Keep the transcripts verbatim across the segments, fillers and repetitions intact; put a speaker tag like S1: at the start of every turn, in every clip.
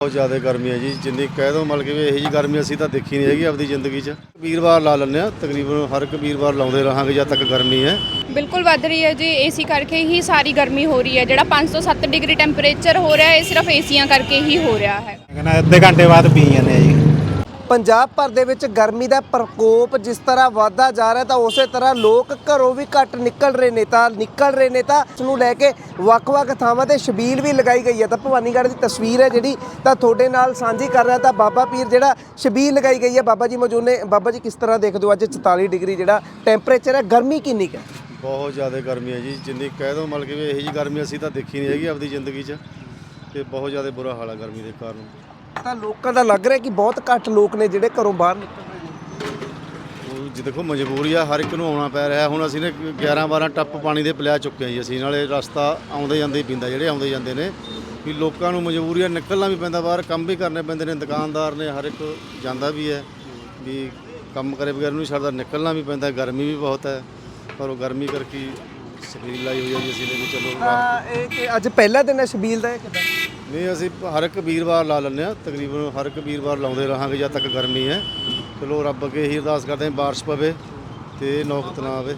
S1: बहुत ज़्यादा गर्मी है जी जिन्नी कह दो मतलब कि यही जी गर्मी असी तो देखी नहीं हैगी अपनी जिंदगी च वीरवार ला लें तकरीबन हर एक वीरवार लाते रहांगे जब तक गर्मी है।
S2: बिल्कुल वध रही है जी एसी करके ही सारी गर्मी हो रही है। ਜਿਹੜਾ पाँच सौ सत्त डिग्री टैंपरेचर हो रहा है ये सिर्फ एसियां करके ही हो रहा है।
S3: कहना अद्धे घंटे बाद पी जाने जी।
S4: ਪੰਜਾਬ ਭਰ ਦੇ ਵਿੱਚ ਗਰਮੀ ਦਾ ਪ੍ਰਕੋਪ ਜਿਸ ਤਰ੍ਹਾਂ ਵਧਦਾ ਜਾ ਰਿਹਾ ਤਾਂ ਉਸੇ ਤਰ੍ਹਾਂ ਲੋਕ ਘਰੋਂ ਵੀ ਘੱਟ ਨਿਕਲ ਰਹੇ ਨੇ ਤਾਂ ਨਿਕਲ ਰਹੇ ਨੇ ਤਾਂ ਇਸ ਨੂੰ ਲੈ ਕੇ ਵੱਖ-ਵੱਖ ਥਾਵਾਂ ਤੇ ਛਬੀਲ ਵੀ ਲਗਾਈ ਗਈ ਹੈ। ਤਾਂ ਭਵਾਨੀਗੜ੍ਹ ਦੀ ਤਸਵੀਰ ਹੈ ਜਿਹੜੀ ਤਾਂ ਤੁਹਾਡੇ ਨਾਲ ਸਾਂਝੀ ਕਰ ਰਿਹਾ ਤਾਂ ਬਾਬਾ ਪੀਰ ਜਿਹੜਾ ਛਬੀਲ ਲਗਾਈ ਗਈ ਹੈ। ਬਾਬਾ ਜੀ ਮੌਜੂਦ ਨੇ। ਬਾਬਾ ਜੀ ਕਿਸ ਤਰ੍ਹਾਂ ਦੇਖਦੇ ਹੋ ਅੱਜ ਚੁਤਾਲੀ ਡਿਗਰੀ ਜਿਹੜਾ ਟੈਂਪਰੇਚਰ ਹੈ, ਗਰਮੀ ਕਿੰਨੀ ਕੁ ਹੈ?
S1: बहुत ज़्यादा गर्मी है जी जिन्नी कह दो मतलब कि यही जी गर्मी असी तो देखी नहीं हैगी अपनी जिंदगी च ते बहुत ज़्यादा बुरा हाल है गर्मी के कारण।
S4: ਤਾਂ ਲੋਕਾਂ ਦਾ ਲੱਗ ਰਿਹਾ ਕਿ ਬਹੁਤ ਘੱਟ ਲੋਕ ਨੇ ਜਿਹੜੇ ਘਰੋਂ ਬਾਹਰ ਨਿਕਲ ਰਹੇ ਨੇ।
S1: ਉਹ ਜੀ ਦੇਖੋ ਮਜਬੂਰੀ ਆ ਹਰ ਇੱਕ ਨੂੰ ਆਉਣਾ ਪੈ ਰਿਹਾ। ਹੁਣ ਅਸੀਂ ਨੇ ਗਿਆਰਾਂ ਬਾਰਾਂ ਟੱਪ ਪਾਣੀ ਦੇ ਪਿਲਾ ਚੁੱਕੇ ਹਾਂ ਜੀ ਅਸੀਂ ਨਾਲੇ ਰਸਤਾ ਆਉਂਦੇ ਜਾਂਦੇ ਹੀ ਪੀਂਦਾ ਜਿਹੜੇ ਆਉਂਦੇ ਜਾਂਦੇ ਨੇ ਵੀ ਲੋਕਾਂ ਨੂੰ ਮਜਬੂਰੀ ਆ ਨਿਕਲਣਾ ਵੀ ਪੈਂਦਾ ਬਾਹਰ ਕੰਮ ਵੀ ਕਰਨੇ ਪੈਂਦੇ ਨੇ ਦੁਕਾਨਦਾਰ ਨੇ ਹਰ ਇੱਕ ਜਾਂਦਾ ਵੀ ਹੈ ਵੀ ਕੰਮ ਕਰੇ ਬਗੈਰ ਨੂੰ ਛੱਡਦਾ ਨਿਕਲਣਾ ਵੀ ਪੈਂਦਾ ਗਰਮੀ ਵੀ ਬਹੁਤ ਹੈ ਪਰ ਉਹ ਗਰਮੀ ਕਰਕੇ ਛਬੀਲ ਲਾਈ ਹੋਈ ਹੈ ਜੀ ਅਸੀਂ ਨੇ ਵੀ ਚਲੋ
S4: ਤਾਂ ਇਹ ਕਿ ਅੱਜ ਪਹਿਲਾ ਦਿਨ ਹੈ ਛਬੀਲ ਦਾ ਕਿਦਾਂ?
S1: ਨਹੀਂ ਅਸੀਂ ਹਰ ਇੱਕ ਵੀਰਵਾਰ ਲਾ ਲੈਂਦੇ ਹਾਂ ਤਕਰੀਬਨ ਹਰ ਇੱਕ ਵੀਰਵਾਰ ਲਾਉਂਦੇ ਰਹਾਂਗੇ ਜਦ ਤੱਕ ਗਰਮੀ ਹੈ। ਚਲੋ ਰੱਬ ਅੱਗੇ ਇਹੀ ਅਰਦਾਸ ਕਰਦੇ ਹਾਂ ਬਾਰਿਸ਼ ਪਵੇ ਤੇ ਨੌਬਤ ਨਾ ਆਵੇ।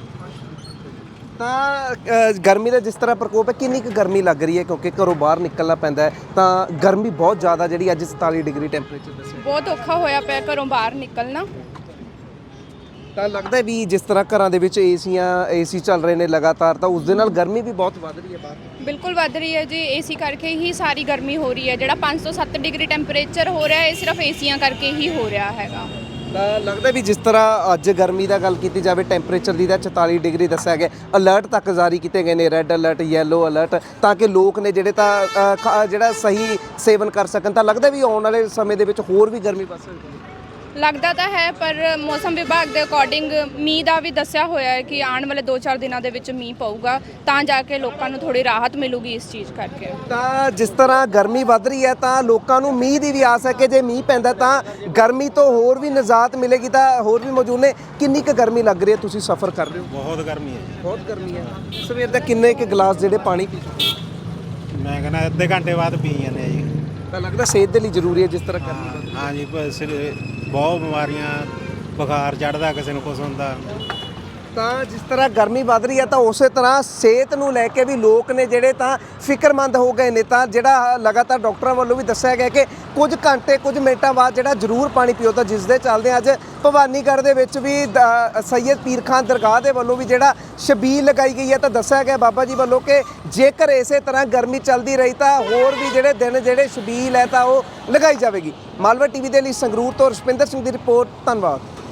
S4: ਤਾਂ ਗਰਮੀ ਦਾ ਜਿਸ ਤਰ੍ਹਾਂ ਪ੍ਰਕੋਪ ਹੈ ਕਿੰਨੀ ਕੁ ਗਰਮੀ ਲੱਗ ਰਹੀ ਹੈ ਕਿਉਂਕਿ ਘਰੋਂ ਬਾਹਰ ਨਿਕਲਣਾ ਪੈਂਦਾ ਹੈ ਤਾਂ ਗਰਮੀ ਬਹੁਤ ਜ਼ਿਆਦਾ ਜਿਹੜੀ ਅੱਜ ਚੁਤਾਲੀ ਡਿਗਰੀ ਟੈਂਪਰੇਚਰ ਦੱਸਿਆ
S2: ਬਹੁਤ ਔਖਾ ਹੋਇਆ ਪਿਆ ਘਰੋਂ ਬਾਹਰ ਨਿਕਲਣਾ।
S4: ਤਾਂ ਲੱਗਦਾ ਵੀ ਜਿਸ ਤਰ੍ਹਾਂ ਘਰਾਂ ਦੇ ਵਿੱਚ ਏਸੀਆਂ ਏਸੀ ਚੱਲ ਰਹੇ ਨੇ ਲਗਾਤਾਰ ਤਾਂ ਉਸ ਦੇ ਨਾਲ ਗਰਮੀ ਵੀ ਬਹੁਤ ਵੱਧ ਰਹੀ ਹੈ ਬਾਹਰ।
S2: ਬਿਲਕੁਲ ਵਧ ਰਹੀ ਹੈ ਜੀ ਏਸੀ ਕਰਕੇ ਹੀ ਸਾਰੀ ਗਰਮੀ ਹੋ ਰਹੀ ਹੈ। ਜਿਹੜਾ ਪਾँच सौ सत्त ਡਿਗਰੀ ਟੈਂਪਰੇਚਰ ਹੋ ਰਿਹਾ ਹੈ ਇਹ ਸਿਰਫ ਏਸੀਆਂ ਕਰਕੇ ਹੀ ਹੋ ਰਿਹਾ ਹੈਗਾ।
S4: ਤਾਂ ਲੱਗਦਾ ਵੀ ਜਿਸ ਤਰ੍ਹਾਂ ਅੱਜ ਗਰਮੀ ਦਾ ਗੱਲ ਕੀਤੀ ਜਾਵੇ ਟੈਂਪਰੇਚਰ ਦੀ ਤਾਂ ਚੁਤਾਲੀ ਡਿਗਰੀ ਦੱਸਿਆ ਗਿਆ। ਅਲਰਟ ਤੱਕ ਜਾਰੀ ਕੀਤੇ ਗਏ ਨੇ ਰੈੱਡ ਅਲਰਟ ਯੈਲੋ ਅਲਰਟ ਤਾਂ ਕਿ ਲੋਕ ਨੇ ਜਿਹੜੇ ਤਾਂ ਜਿਹੜਾ ਸਹੀ ਸੇਵਨ ਕਰ ਸਕਣ। ਤਾਂ ਲੱਗਦਾ ਵੀ ਆਉਣ ਵਾਲੇ ਸਮੇਂ ਦੇ ਵਿੱਚ ਹੋਰ ਵੀ ਗਰਮੀ ਵੱਧ ਸਕਦੀ ਹੈ।
S2: ਲੱਗਦਾ ਤਾਂ ਹੈ ਪਰ ਮੌਸਮ ਵਿਭਾਗ ਦੇ ਅਕੋਰਡਿੰਗ ਮੀਂਹ ਦਾ ਵੀ ਦੱਸਿਆ ਹੋਇਆ ਹੈ ਕਿ ਆਉਣ ਵਾਲੇ ਦੋ ਚਾਰ ਦਿਨਾਂ ਦੇ ਵਿੱਚ ਮੀਂਹ ਪਊਗਾ ਤਾਂ ਜਾ ਕੇ ਲੋਕਾਂ ਨੂੰ ਥੋੜੀ ਰਾਹਤ ਮਿਲੂਗੀ ਇਸ ਚੀਜ਼ ਕਰਕੇ।
S4: ਤਾਂ ਜਿਸ ਤਰ੍ਹਾਂ ਗਰਮੀ ਵੱਧ ਰਹੀ ਹੈ ਤਾਂ ਲੋਕਾਂ ਨੂੰ ਮੀਂਹ ਦੀ ਵੀ ਆਸ ਹੈ ਕਿ ਜੇ ਮੀਂਹ ਪੈਂਦਾ ਤਾਂ ਗਰਮੀ ਤੋਂ ਹੋਰ ਵੀ ਨਿਜਾਤ ਮਿਲੇਗੀ। ਤਾਂ ਹੋਰ ਵੀ ਮੌਜੂਦ ਨੇ। ਕਿੰਨੀ ਕੁ ਗਰਮੀ ਲੱਗ ਰਹੀ ਹੈ? ਤੁਸੀਂ ਸਫ਼ਰ ਕਰ ਰਹੇ ਹੋ?
S3: बहुत गर्मी है
S4: ਬਹੁਤ ਗਰਮੀ ਹੈ। ਸਵੇਰ ਦਾ ਕਿੰਨੇ ਕੁ ਗਲਾਸ ਜਿਹੜੇ ਪਾਣੀ ਪੀ
S3: जी। मैं कहना अद्धे घंटे बाद पी जाने जी।
S4: ਤਾਂ ਲੱਗਦਾ ਸਿਹਤ ਦੇ ਲਈ ਜ਼ਰੂਰੀ ਹੈ ਜਿਸ ਤਰ੍ਹਾਂ ਗਰਮੀ ਵੱਧ ਰਹੀ ਹੈ।
S3: हाँ जी ब- सिर बहुत बीमारियां बुखार चढ़ता किसी को कुछ होंदा।
S4: ਤਾਂ ਜਿਸ ਤਰ੍ਹਾਂ ਗਰਮੀ ਵੱਧ ਰਹੀ ਹੈ ਤਾਂ ਉਸੇ ਤਰ੍ਹਾਂ ਸਿਹਤ ਨੂੰ ਲੈ ਕੇ ਵੀ ਲੋਕ ਨੇ ਜਿਹੜੇ ਤਾਂ ਫਿਕਰਮੰਦ ਹੋ ਗਏ ਨੇ। ਤਾਂ ਜਿਹੜਾ ਲਗਾਤਾਰ ਡਾਕਟਰਾਂ ਵੱਲੋਂ ਵੀ ਦੱਸਿਆ ਗਿਆ ਕਿ ਕੁਝ ਘੰਟੇ ਕੁਝ ਮਿੰਟਾਂ ਬਾਅਦ ਜਿਹੜਾ ਜ਼ਰੂਰ ਪਾਣੀ ਪੀਓ। ਤਾਂ ਜਿਸ ਦੇ ਚੱਲਦੇ ਅੱਜ ਭਵਾਨੀਗੜ੍ਹ ਦੇ ਵਿੱਚ ਵੀ ਦ- ਸੈਯਦ ਪੀਰ ਖਾਨ ਦਰਗਾਹ ਦੇ ਵੱਲੋਂ ਵੀ ਜਿਹੜਾ ਛਬੀਲ ਲਗਾਈ ਗਈ ਹੈ ਤਾਂ ਦੱਸਿਆ ਗਿਆ ਬਾਬਾ ਜੀ ਵੱਲੋਂ ਕਿ ਜੇਕਰ ਇਸੇ ਤਰ੍ਹਾਂ ਗਰਮੀ ਚੱਲਦੀ ਰਹੀ ਤਾਂ ਹੋਰ ਵੀ ਜਿਹੜੇ ਦਿਨ ਜਿਹੜੇ ਛਬੀਲ ਹੈ ਤਾਂ ਉਹ ਲਗਾਈ ਜਾਵੇਗੀ। ਮਾਲਵਾ ਟੀਵੀ ਦੇ ਲਈ ਸੰਗਰੂਰ ਤੋਂ ਰੁਸ਼ਪਿੰਦਰ ਸਿੰਘ ਦੀ ਰਿਪੋਰਟ। ਧੰਨਵਾਦ।